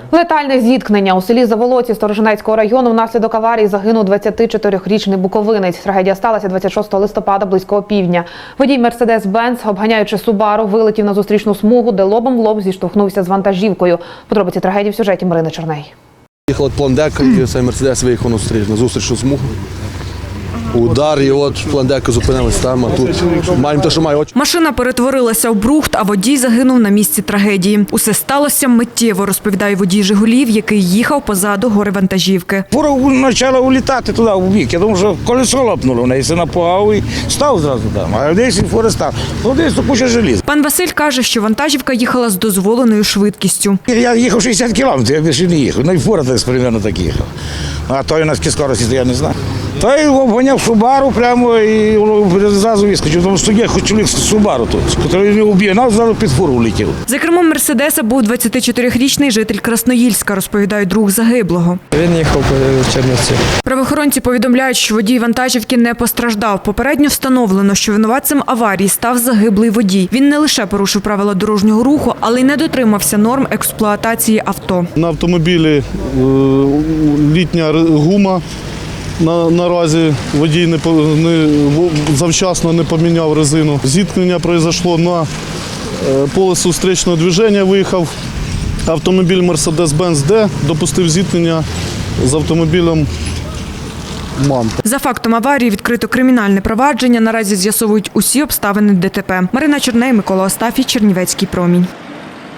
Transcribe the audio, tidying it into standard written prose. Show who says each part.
Speaker 1: Летальне зіткнення у селі Заволоці Сторожинецького району внаслідок аварії загинув 24-річний буковинець. Трагедія сталася 26 листопада близько опівдня. Водій Мерседес-Бенц, обганяючи Субару, вилетів на зустрічну смугу, де лобом в лоб зіштовхнувся з вантажівкою. Подробиці трагедії в сюжеті Марини Черней.
Speaker 2: Їхала Пландека, і цей Мерседес виїхав на зустрічну смугу. Удар, і от Пландека зупинилась там, а тут маємо те, що має очі.
Speaker 3: Машина перетворилася в брухт, а водій загинув на місці трагедії. Усе сталося миттєво, розповідає водій «Жигулів», який їхав позаду горе-вантажівки.
Speaker 4: Фура почала улітати туди, в бік. Я думав, що колесо лопнуло, в неї се напугав і став зразу там. А десь фура став. Ну, десь то куча желіза.
Speaker 3: Пан Василь каже, що вантажівка їхала з дозволеною швидкістю.
Speaker 4: Я їхав 60 кілометрів, я більше не їхав. Ну і фура десь примерно так їхав. А той у нас в скорості, я не знаю. Той обганяв Субару прямо і зразу вискочив. Тому що є хоч чоловік з Субару тут, який не вб'є, нас зразу під фуру влетів.
Speaker 3: За кермом Мерседеса був 24-річний житель Красноїльська, розповідає друг загиблого.
Speaker 5: Він їхав по Чернівці.
Speaker 3: Правоохоронці повідомляють, що водій вантажівки не постраждав. Попередньо встановлено, що винуватцем аварії став загиблий водій. Він не лише порушив правила дорожнього руху, але й не дотримався норм експлуатації авто.
Speaker 6: На автомобілі літня гума. Наразі водій завчасно не поміняв резину. Зіткнення пройшло на поле зустрічного движення, виїхав автомобіль Mercedes-Benz, допустив зіткнення з автомобілем МАН.
Speaker 3: За фактом аварії відкрито кримінальне провадження. Наразі з'ясовують усі обставини ДТП. Марина Черней, Микола Остафій, Чернівецький промінь.